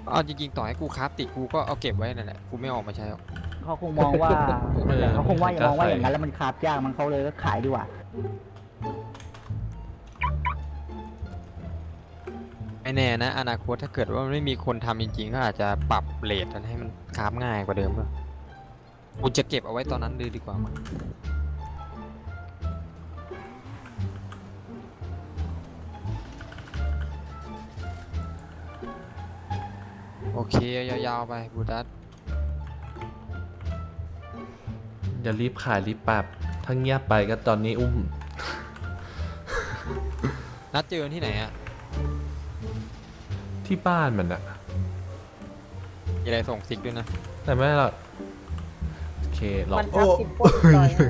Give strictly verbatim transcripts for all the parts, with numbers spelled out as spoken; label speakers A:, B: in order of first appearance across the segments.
A: เอาจริงๆต่อให้กูคราฟติดกูก็เอาเก็บไว้นั่นแหละกูไม่ออกมาใช้หรอก
B: เขาคงมองว่า
C: เออ
B: เขาคงว่าอย่ามองว่า
C: ไม่
B: อก
C: ล้า
B: ย่างนั้นแล้วมันคาบยากมันเขาเลยก็ขายดีกว่า
A: ไม่แน่นะอนาคตถ้าเกิดว่าไม่มีคนทำจริงๆก็อาจจะปรับเรทให้มันคราฟง่ายกว่าเดิมก็กูจะเก็บเอาไว้ตอนนั้นเลยดีกว่ามั้งโอเคยาวๆไปบูดัส
C: อย่ารีบขายรีบปรับถ้าเงียบไปก็ตอนนี้อุ้ม
A: นัดเจอที่ไหนอะ
C: ที่บ้านมันอะ
A: มีอะไรส่งซิกด้วยนะ
C: แต่ไม่หรอกโอเคหรอก
D: มันทับสิบปล้นต่อยนะพี่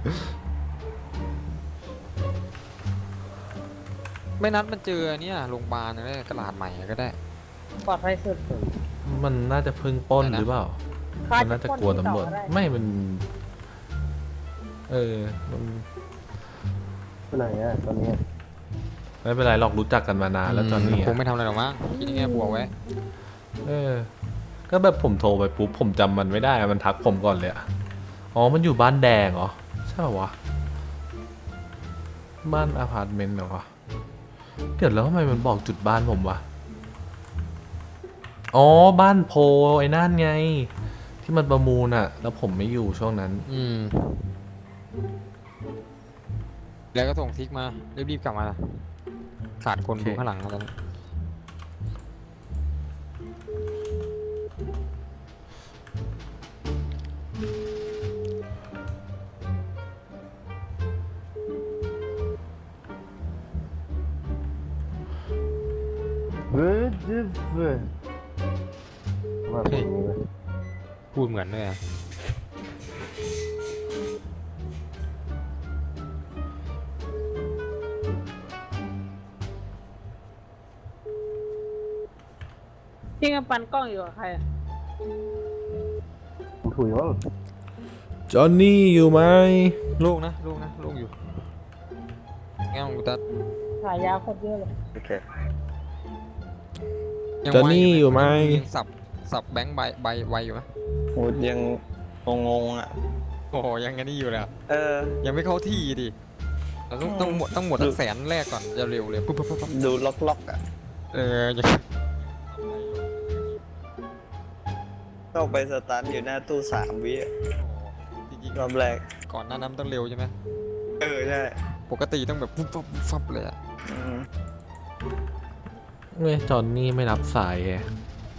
A: ไม่นัดมันเจอเนี่ยโรงพยาบาลก็ได้ตลาดใหม่ก็ได้
D: ปลอดภัยสุด
C: มันน่าจะเพิ่งปล้น
A: อะไรนะ
C: หรือเปล่า
D: ค่า
C: มันน่าจะกลัวตำรวจ
D: ที่ต่อได้
C: ไม่มัน เออมัน
E: ไปไหนอ่ะตอนนี้
C: ไม่เป็นไรหรอกรู้จักกันมานานแล้วตอนนี้
A: คง
C: อะ
A: ไม่ทำอะไรหรอกมั้งคิดยังไงบวกไว้
C: เออ ก็แบบผมโทรไปปุ๊บผมจำมันไม่ได้อะมันทักผมก่อนเลยอะอ๋อมันอยู่บ้านแดงเหรอใช่ป่าวะบ้านอพาร์ตเมนต์เหรอวะเดี๋ยวแล้วทำไมมันบอกจุดบ้านผมวะอ๋อบ้านโพไอ้นั่นไง ที่มันประมูลอะแล้วผมไม่อยู่ช่วงนั้น
A: อืมแล้วก็ส่งซิกมารีบๆกลับมาขาดคน
C: โอเค
A: ดูข้างหลังแล้ว
E: เฮ้ยดิฟเว้ยว่าแบบนี้เว้ย
A: พูดเหมือนเลยอะ
D: พี่กำปันกล้องอยู่กับใครอะ
E: ผมถุยว่า
C: จอห์นนี่อยู่ไหม
A: ลูกนะลูกนะลูกอยู่งั้นกูตัด
D: ขายยาโคตรเยอะเลย
E: โอเค
A: ยัง
C: จอห์นนี่อยู่ไหม
A: ยังสับสับแบงค์ใบใบไวอยู่ไหม
F: โหยังงงๆอ่ะ
A: โอ้โหยังไงนี่อยู่เลยอะ
F: เออ
A: ยังไม่เข้าที่ดิเราต้องต้องหมดต้องหมดตั้งแสนแรกก่อนจะเร็วเลยปุ๊บปุ๊บปุ๊บปุ๊บ
F: ดูล็อกๆอ่ะ
A: เออยัง
F: เข้าไปสตาร์ทอยู่หน้าตู้สามวิอะ
A: จริง
F: รอบแรก
A: ๆก่อนหน้านั้นต้องเร็วใช่ไหม
F: เออ ใช่
A: ปกติต้องแบบปุ๊บปุ๊บปุ๊บฟับเลยอะ
F: อืม
C: เว้ยจอห์นนี่ไม่รับสายแฮะ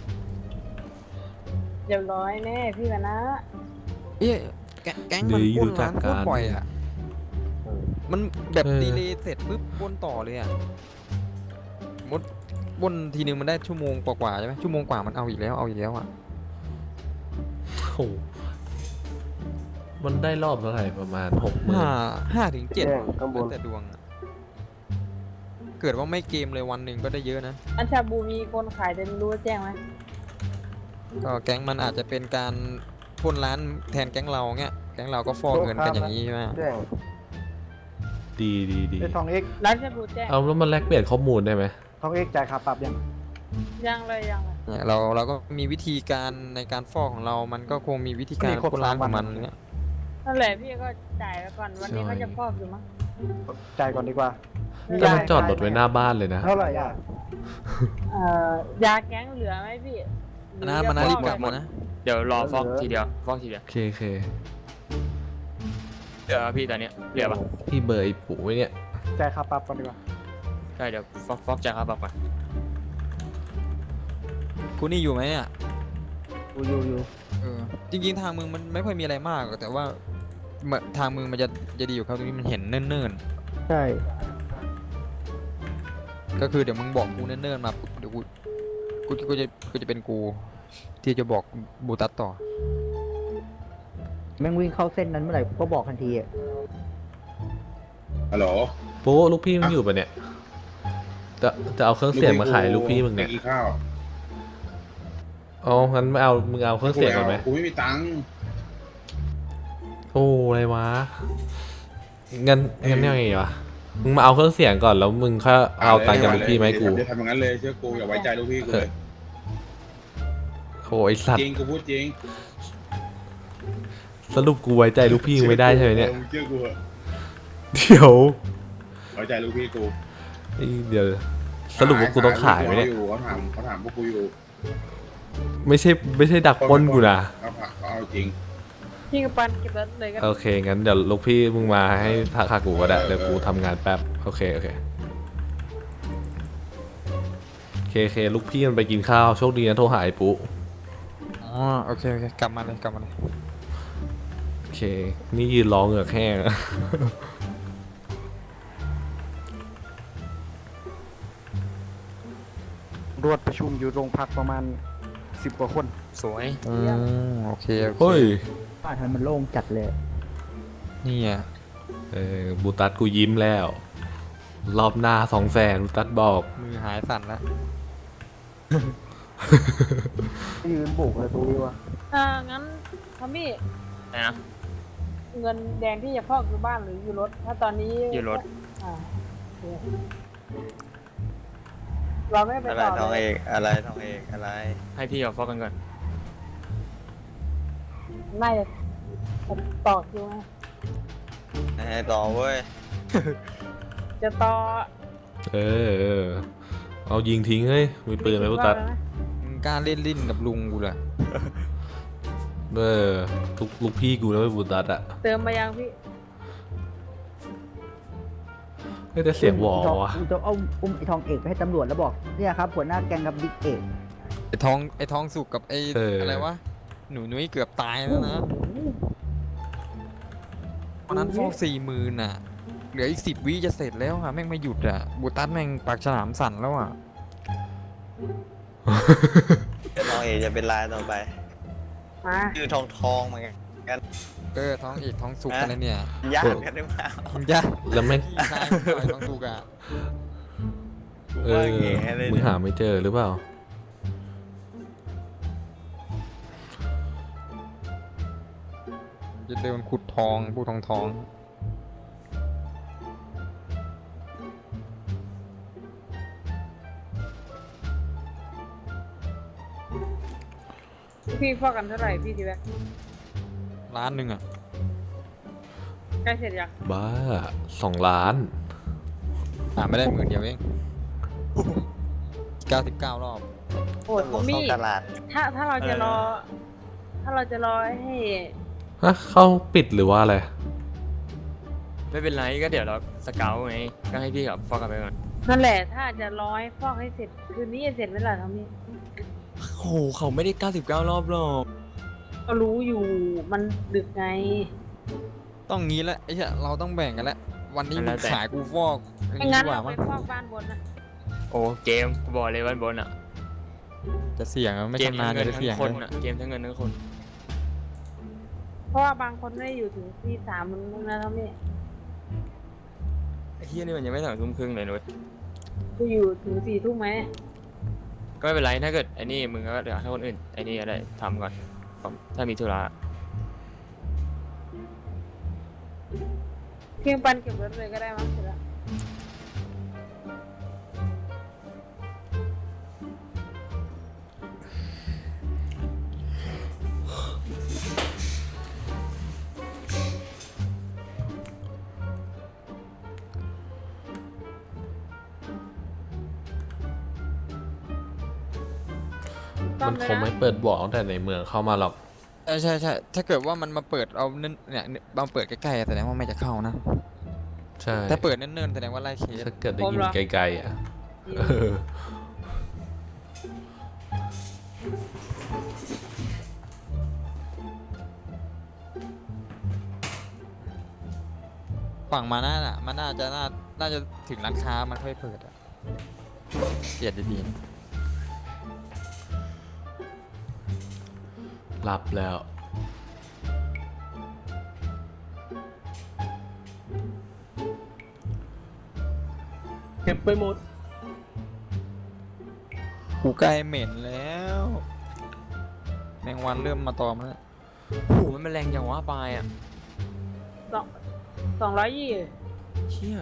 D: เรียบร้อยแน่พี่กันนะ
A: เอ๊ะแกแก๊งมันปล้นร้านโคตรบ่อยอะมันแบบดีเลย์เสร็จปุ๊บปล้นต่อเลยอะมดปล้นทีนึงมันได้ชั่วโมงกว่าๆใช่ไหมชั่วโมงกว่ามันเอาอีกแล้วเอาอีกแล้วอะ
C: โอ้โหมันได้รอบเท่าไหร่ประมาณหกหมื่น
A: ห้าห้าถึงเจ็ด
E: แจ้งข้างบน
A: แต่ดวงอะเกิดว่าไม่เกมเลยวันหนึ่งก็ได้เยอะนะ
D: อันชาบูมีคนขายแต่ไม่รู้ว่าแจ้งไหม
A: ก็แก๊งมันอาจจะเป็นการปล้นร้านแทนแก๊งเราเงี้ยแก๊งเราก็ฟอกเงินกันอย่างนี้ใช่ไหม
E: แจ้ง
C: ดีดีดี
B: ไอ้ทองเอ็ก
D: ร้านชาบูแจ้ง
C: เอาแล้วมันแลกเปลี่ยนข้อมูลได้ไหม
B: ทองเอ็กจ่ายค่าปรับยัง
D: ยังเลยยังเลย
A: เนี่ยเราเราก็มีวิธีการในการฟอกของเรา มันก็คงมีวิธีการปล้นร้านของมันเงี้ย
D: นั่นแหละพี่ก็จ่ายไปก่อนวันนี้เขาจะฟอกอยู่มั้ง
B: จ่ายก่อนดีกว่า
C: แต่มันจอดรถไว้หน้าบ้านเลยนะ
B: เท่าไหร่อ่ะ
D: เอ่อยาแก๊งเหลือไหมพี่หรือ
A: นะ
D: จะ
A: มันนะ
D: ฟ
A: รี
D: อบ
A: กลับมานะ
G: เดี๋ยวรอฟอกทีเดียวฟอกทีเดียว
C: โอเคโอเค
G: เดี๋ยวพี่ตอนเนี้ยเหลือปะ
C: พี่เบอร์ไอ้ปู่ไว้เนี่ย
B: จ่ายค่าปรับก่อนดีกว่า
G: ใช่เดี๋ยวฟอกฟอกจ่ายค่าปรับก่อน
A: คุณนี่อยู่ไหมเนี่ย
B: อยู่อยู่อยู่
A: เออจริงๆทางมึงมันไม่ค่อยมีอะไรมากหรอกแต่ว่าเมื่อทางมึงมันจะจะดีอยู่ครับตรงนี้มันเห็นเนิ่น
B: ใช่
A: ๆก็คือเดี๋ยวมึงบอกกูเนิ่นๆมาปุ๊บเดี๋ยวกูกูกูจะกูจะเป็นกู ที่จะบอกบูตัสต่อ
B: แม่งวิ่งเข้าเส้นนั้นเมื่อไหร่ก็บอกทันทีอ่ะ
H: ฮัลโหล
C: ปู่ลูกพี่มึงอยู่ปะเนี่ย จะจะเอาเครื่องเสียงมาขายลูกพี่มึงเนี่ย
H: ไปกินข้าว
C: อ๋องั้นไม่เอา มึงเอาเครื่องเสียงก่อนไหม
H: กูไม่มีตังค์
C: โอ้อะไรวะงั้นงั้นยังไงวะ มึงมาเอาเครื่องเสียงก่อนแล้วมึงค่อยเอาตังค์จากลูกพี่มาให้กู
H: เดี๋ยวทำอย่างนั้นเลยเชื่อกูอย่าไว้ใจลูกพี่กูเลย
C: อ้ไอสัต
H: จ
C: ว์
H: ริงกูพูดจริง
C: สรุปกูไว้ใจลูกพี่มึงไม่ได้ใช่ไหมเนี่ย
H: ออมึงเชื่อกูเหอะ
C: เดี๋ยว
H: ไว้ใจลูกพี่กู
C: ไอ้เดี๋ยวสรุปว่ากูต้องขายไหมเนี่ย
H: เขาถามเขาถามพวกกูอยู่
C: ไม่ใช่ไม่ใช่ดักปล้นกูนะ
H: เขาถามเขาเอาจริง
D: พี่กับปันเก็บรถเลยก็
C: โอเคงั้นเดี๋ยวลูกพี่มึงมาให้ทาคากูก็ได้เดี๋ยวกูทำงานแป๊บโอเคโอเคโอเคโอเคลูกพี่มันไปกินข้าวโชคดีนะโทรหาไอ้ปุ๊
A: อ๋อโอเคโอเคกลับมาเลยกลับมาเลย
C: โอเคนี่ยืนร้องเหงือกแห้ง
B: รวดประชุมอยู่โรงพักประมาณสิบกว่าคน
G: สวย
A: อืมโอเคโอเค
C: เฮ้ย
B: บ้านมันโล่งจัดเลย
A: นี่อ่ะ
C: เออบูตัสกูยิ้มแล้ว รอบหน้าสองแสนบูตัสบอก
A: มือหายสั่นแล้ว
B: ยืนบุกเลยตรงนี้วะ
D: อ่างั้นทอมมี่
G: นะ
D: เงินแดงที่จะพอกอยู่บ้านหรืออยู่รถ ถ้าตอนนี้
G: อยู่รถ
D: อ่าโอเคเราไม่ไป
F: อะไร
D: ต่อ
F: ทอง
D: เล
F: เอย กอะไรทองเอกอะไร
G: ให้พี่กับฟอกกันก่อน
D: น่าจะต่อคิวไง
F: ให้ต่อเว้ย
D: จะต่อ
C: เออเออเอายิงทิ้งเฮ้ยมีปืนไหมบูตัส
D: รอบแล้วนะ
A: มึงกล้าเล่นลิ้นกับลุงกูเหรอ
C: เออลูกลูกพี่กูนะเว้ยบูตัสอะ
D: เติมมายังพี่
C: ไม่ได้เสียงวอวะ
B: กูจะเอาอุ้มไอ้ทองเอกไปให้ตำรวจแล้วบอกเนี่ยครับหัวหน้าแก๊งกับบิ๊กเอก
A: ไอ้ทองไอ้ทองสุกกับไอ้อะไรวะหนูนุ้ยเกือบตายแล้วนะตอนนั้นฟอกสี่หมื่นอ่ะเหลืออีกสิบวิจะเสร็จแล้วค่ะแม่งไม่หยุดอ่ะบูตัสแม่งปากฉลามสั่นแล้วอ่ะ
F: เดี๋ยวทองเอกจะเป็นลายต่อไป
D: มา
F: ชื่อทองทองเหมือนกัน
A: เออท้องเอกท้องสุกอะไรเนี่ย
F: ญาติกันหรือเปล่า
A: มึงยาก
C: แล้วแม่ง
A: พี่ชายมึงหน่อยท้องสุกอ่ะ
F: กู
C: เอ
F: ว่า
C: อ
F: แง่เลย
C: มึง
F: เนี่ย
C: หาไม่เจอหรือเปล่า
A: จะเดินขุดทองพูดทองทอง
D: พี่ฟอกกันเท่าไหร่พี่ทีแรก
A: ล้านหนึ่งอ่ะ
D: ใกล้เสร็จยัง
C: บ้าสองล้าน
A: หาไม่ได้หมื่นเดียวเองเก้าสิบเก้ารอบ
D: โอ้ย
F: ตำร
D: ทอ
F: ว
D: ม
F: จเข้า
D: มี่
F: ตลาด
D: ถ้าถ้าเราจะรอ ถ้าเราจะรอให้
C: ฮะเข้าปิดหรือว่าอะไร
G: ไม่เป็นไรก็เดี๋ยวเราสเกลไงก็ให้พี่กับฟอกกันไปก่อน
D: นั่นแหละ ถ้าจะรอให้ฟอกให้เสร็จ คืนนี้จะเสร็จไหมล่ะทอมมี่
G: โอ้โหเขาไม่ได้เก้าสิบเก้ารอบหรอก
D: ก็รู้อยู่มันดึกไง
A: ต้องงี้แล้วไอ้เหี้ยเราต้องแบ่งกันแล้ววันนี้มึงขายกูฟอกอัน
D: ไม่
A: นี้
D: งั้น
A: ดีกว่า
D: เราไป
A: มั้ง
D: ฟอกบ้านบนนะ
G: โอ้เกมกูบอกเลยวันบนอ่ะ
A: จะเสี่ยงอะไม่
G: เกม
A: ชำนา
G: ทั้
A: ญ
G: งเงิน
A: จะ
G: ทั้
A: เสี่ยง
G: งคน
A: เลย
G: อ่ะเกมทั้งเงินทั้งคน
D: เพราะว่าบางคนไม่ได้อยู่ถึงที่สามมึงนะทอมมี่
G: ไอ้เฮียนี่มันยังไม่ถึงทุ่มครึ่งเลยนุ้ย
D: กูอยู่ถึงสี่ทุ่มไหม
G: ก็ไม่เป็นไรถ้าเกิดไอ้นี่มึงก็เดี๋ยวให้คนอื่นไอ้นี่ก็ได้ทำก่อนถ้ามีธุระ
D: เพียงปันเก็บรถเลยก็ได้มั้งเสร็จแล้ว
C: มันคงไม่เปิดบอกตั้งแต่ในเมืองเข้ามาหรอก
A: ใช่ใช่ใช่ถ้าเกิดว่ามันมาเปิดเอาเนิ่นเนี่ยมาเปิดใกล้ๆแสดงว่าไม่จะเข้านะ
C: ใช่
A: ถ้าเปิดเนิ่นๆแสดงว่าไล่เคส
C: ถ้าเกิดได้ยินไกลๆอ่ะเออ
A: ฝั่งมาน่าน่ะมันน่าจะน่าน่าจะถึงร้านค้ามันค่อยเปิดอะเกียดดีๆ
C: หลับแล้ว
B: เก็บไปหมด
A: กูใกล้เหม็นแล้ว แมงวันเริ่มมาตอมแล้ว
G: โอ้โหมันแรงอย่างว่าปลายอ่ะ
D: สองสองร้อยยี่
G: เชี่ย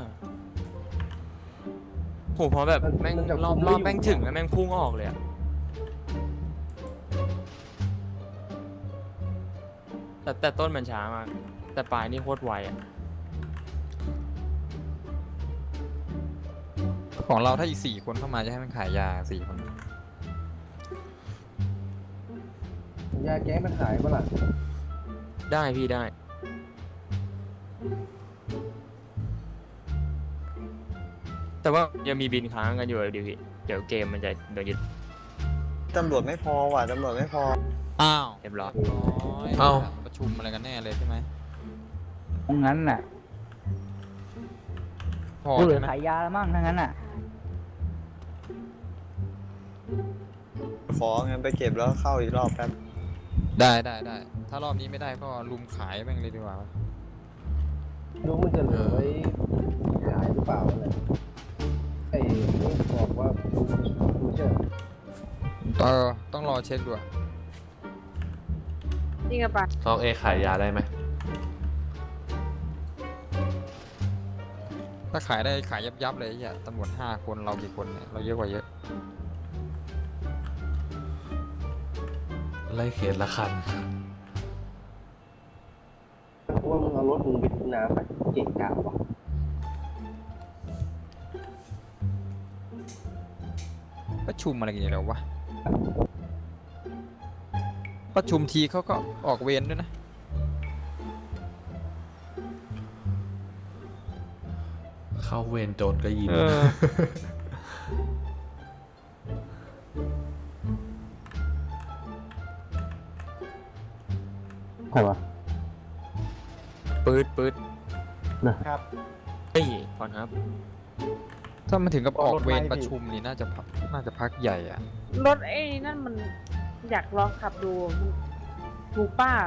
G: โหพอแบบแม่งรอบรอบแม่งถึงแล้วแม่งพุ่งออกเลยอ่ะแต่แต่ต้นมันช้ามากแต่ปลายนี่โคตรไวอ่ะ
A: ของเราถ้าอีกสี่คนเข้ามาจะให้มันขายยาสี่คน
E: ยาแก้มันหายปะล่ะ
G: ได้พี่ได้ แต่ว่ายังมีบินค้างกันอยู่เลยดิพี่เดี๋ยวเกมมันจะโดนยึด
F: ตำรวจไม่พอว่ะตำรวจไม่พอ
A: อ้าว
G: เรียบร้อย
A: น้อย
C: เอ้า
A: ประชุมอะไรกันแน่เลยใช่ไหม
B: งั้นน่ะ
A: พอ
B: กูเหลื
A: ใช่
B: อ
A: ไหม
B: ขายยาแล้วมั้งถ้างั้นน่ะ
F: ขอเงินไปเก็บแล้วเข้าอีกรอบแป๊บ
A: ได้ได้ได้ถ้ารอบนี้ไม่ได้ก็ลุมขายแม่งเลยดีกว่า
E: ดูมันจะเหลือไว้ขายหรือเปล่าอะไรไอ้นี่บอกว่าดูดูเชื่อ
A: เออต้องรอเช็คดูอะ
D: จริงอะปะ
C: ซองเอขายยาได้ไหม
A: ถ้าขายได้ขายยับยับๆเลยไอ้เหี้ยตำรวจห้าคนเรากี่คนเนี่ยเราเยอะกว่าเยอะ
C: ไล่เขตละคัน
E: เพราะว่ามึงเอารถมึงไปทิ้งน้ำไปเก่งกาว่ะ
A: ประชุมอะไรกันอยู่แล้ววะประชุมทีเขาก็ออกเวรด้วยนะ
C: เข้าเวรโจรก็ยิง
A: เออ
E: ใครวะ
G: ปืดปืด
E: นะครับ
G: เฮ้ยก่อนครับ
A: ถ้ามันถึงกับออกเวร
E: รถไล่พี่
A: ประชุมนี่น่าจะพักน่าจะพักใหญ่อะ
D: รถไอ้นั่นมันอยากลองขับดูมันถูกป้า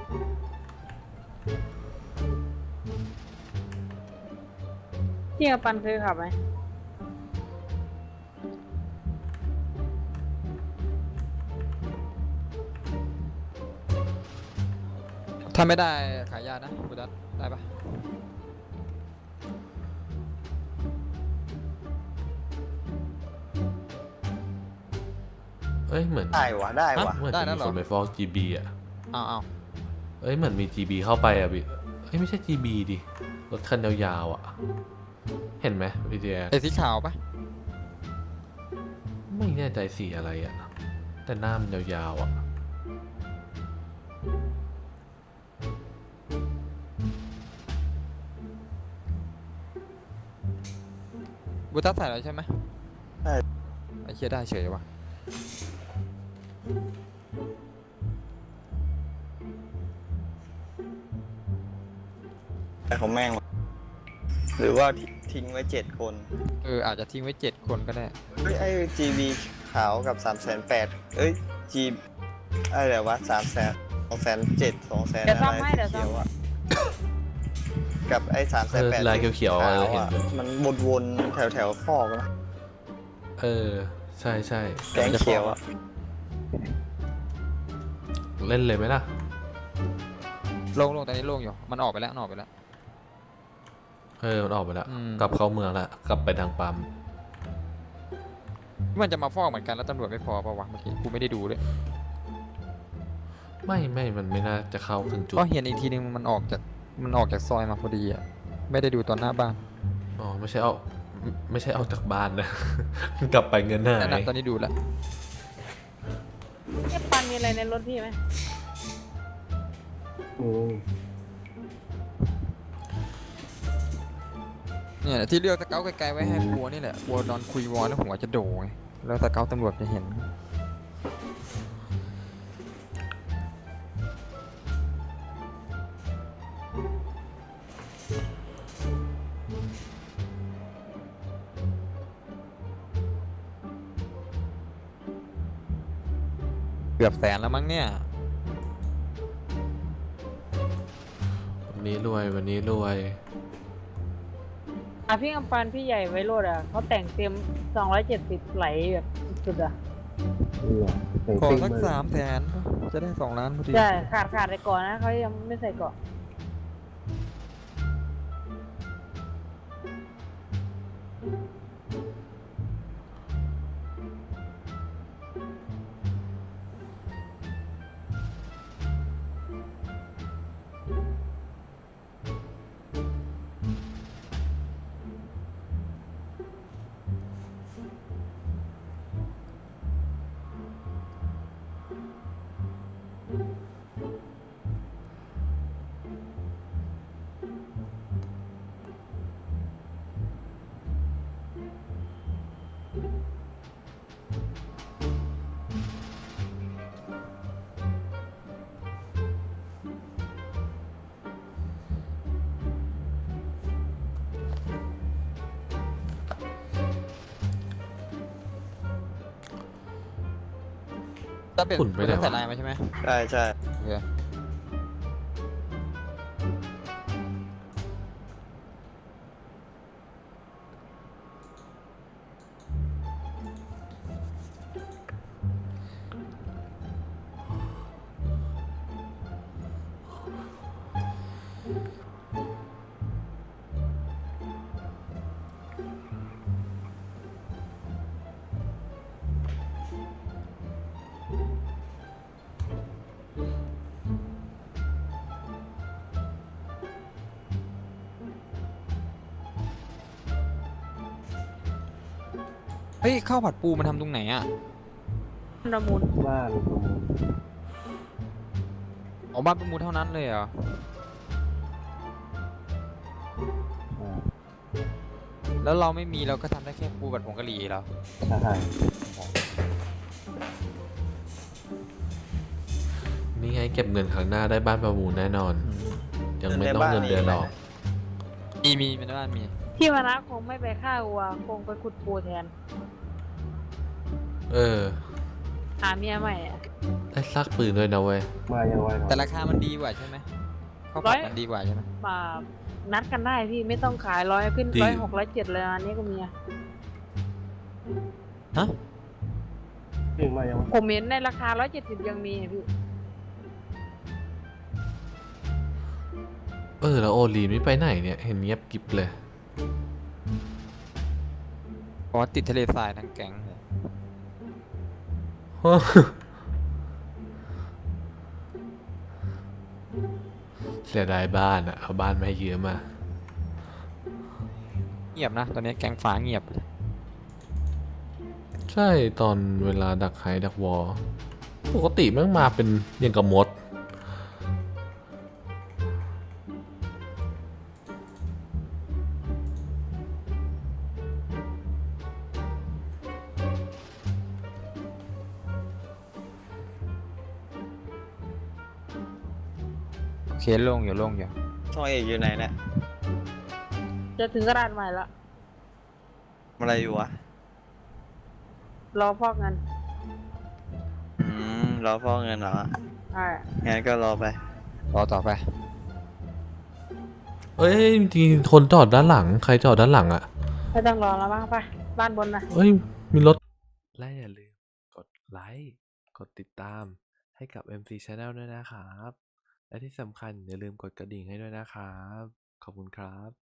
D: พี่กับปันเคยขับไหม
A: ถ้าไม่ได้ขายยานะบุดัสได้ปะ
C: เอ้ยเหมือน
F: ได้วะได้วะ
C: เหมือน
A: ได้
C: จะ
A: แล้
C: มี
A: วเหร
C: ค
A: อน
C: ไปฟอก จี บี อ่ะ
A: เอาเอา
C: เอ้ยเหมือนมี จี บี เข้าไปอ่ะพี่เอ้ยไม่ใช่ จี บี ดิ รถคันยาวๆอ่ะ เห็นไหมพี่เดีย
A: ไอ้สีขาวปะ
C: ไม่แน่ใจสีอะไรอ่ะ แต่หน้ามันยาวๆอ่ะ
A: บุดัสใส่แล้วใช่ไหม
F: ใช่
A: ไอ้เชี่ยได้เฉยวะ
F: แต่ของแม่งวะหรือว่าทิ้งไว้เจ็ดคน
A: เอออาจจะทิ้งไว้เจ็ดคนก็ได้
F: เฮ้ยไอ้ จี บี ขาวกับสามแสนแปดเอ้ย G อะไรวะสามแสนสองแสนเจ็ดสองแสน
D: เดี๋ยว
F: อะไร
D: ซ่อมให้เดี๋ยวซ่อ
F: เขี
D: ม
F: ยวอะกับไอ้สามแส
C: เอน อ
F: แปด
C: ลายเขียวๆอะ
F: ขาว
C: เราเห็น
F: อะ
C: อยู่
F: มันวนๆแถวแถวๆฟอกนะ
C: เออ ใช่ใช่
F: แดงเขียวอะ
C: เล่นเลยไหมล่ะ
A: โล่งๆตอนนี้โล่งอยู่มันออกไปแล้วมันออกไปแล้ว
C: เออมันออกไปแล้ว
A: อืม
C: กลับเข้าเมืองแล้วกลับไปทางปั๊ม
A: มันจะมาฟอกเหมือนกันแล้วตำรวจไม่พอปะวะเมื่อกี้กูไม่ได้ดูเลย
C: ไม่ไม่มันไม่น่าจะเข้าถึงจุด
A: ก็เห็นอีกทีนึงมันออกจากมันออกจากซอยมาพอดีอ่ะไม่ได้ดูตอนหน้าบ้าน
C: อ๋อไม่ใช่เอาไม่ไม่ใช่เอาจากบ้านนะ กลับไปเงินหา
A: นั่น
C: ย
A: นะตอนนี้ดูแล้ว
D: เนี่ยปันมีอะไรในรถพี่ไหม
E: อืม
A: เนี่ยที่เลือกสเกลไกลๆไว้ให้กลัวนี่แหละกลัวนอนคุยวอลแล้วหัวจะโด่ไงแล้วสเกลตำรวจจะเห็นเกือบแสนแล้วมั้งเนี่ย
C: วันนี้รวยวันนี้รวย
D: อ่ะพี่กับปันพี่ใหญ่ไวโรดอ่ะเขาแต่งเต็มสองร้อยเจ็ดสิบไหลแบบสุดๆอ่ะ
E: นี่เหรอแต่ง
A: ขอ
E: ซิ่ง
A: สัก
E: มา
A: สามแสนจะได้สองล้านพอดี
D: ใช่ขาดขาดไปก่อนนะเขายังไม่ใส่เกาะ
A: ถ้าเป็น
C: ขุ่นไปไหนวะ
A: ใส่ลายมาใช่ไหม
F: ใช่ใช่
A: โอเค เฮ้ยข้าวผัดปูมันทำตรงไหนอ่ะ
D: ประมูล
E: บ้านประมูล
A: อ๋อบ้านประมูลเท่านั้นเลยเหรอ
E: อ่า
A: แล้วเราไม่มีเราก็ทำได้แค่ปูผัดผงกะหรี่เหรอ
E: ใช่
C: นี่ไงเก็บเงินครั้งหน้าได้บ้านประมูลแน่นอน ยังไม่ต้องเงินเดือนหรอก
A: มีมีเป็นบ้านมี
D: พี่วนะคงไม่ไปฆ่าวัวคงไปขุดปูแทน
C: เออ
D: หาเมียใหม่อะ
C: ได้ซากปืนด้วยนะเว้ย
E: มายังไวหน่อย
A: แต่ราคามันดีกว่าใช่ไหมข้าวผัดมันดีกว่าใช่ไหม
D: มานัดกันได้พี่ไม่ต้องขายร้อยขึ้น
C: ดี
D: ร้อยหกร้อยเจ็ดเลยอันนี้ก็มีอะ
A: ฮะ
E: พี่มายังไว
D: ผมเห็นในราคาร้อยเจ็ดสิบยังมีอะพี่
C: เออแล้วโอลีนไม่ไปไหนเนี่ยเห็นเงียบกริบเลย
A: เพราะว่าติดทะเลทรายทั้งแก๊งเลย
C: เสียดายบ้านอะเอาบ้านมาให้ยืมมา
A: เงียบนะ ตอนนี้แก๊งฟ้าเงียบเลย
C: ใช่ตอนเวลาดักไฮดักวอลปกติแมันมาเป็นอย่างกับมด
A: โอเคโล่งอยู่โล่งอยู่
F: ช่องเอกอยู่ไหนเนี่ย
D: จะถึงกระดาษใหม่ละ
F: ทำอะไรอยู่วะ
D: รอพอกเงิน
F: อืมรอพ่อเงินเหรอ
D: ใช่
F: งั้นก็รอไป
A: รอต่อไป
C: เอ้ยจริงๆคนจอดด้านหลัง ใครจอดด้านหลังอะ
D: ไม่ต้องรอแล้วมั้งไปบ้านบนนะ
C: เอ้ย มีรถ และอย่าลืมกดไลค์ กดติดตามให้กับ เอ็ม ซี Channel ด้วยนะครับ และที่สำคัญอย่าลืมกดกระดิ่งให้ด้วยนะครับ ขอบคุณครับ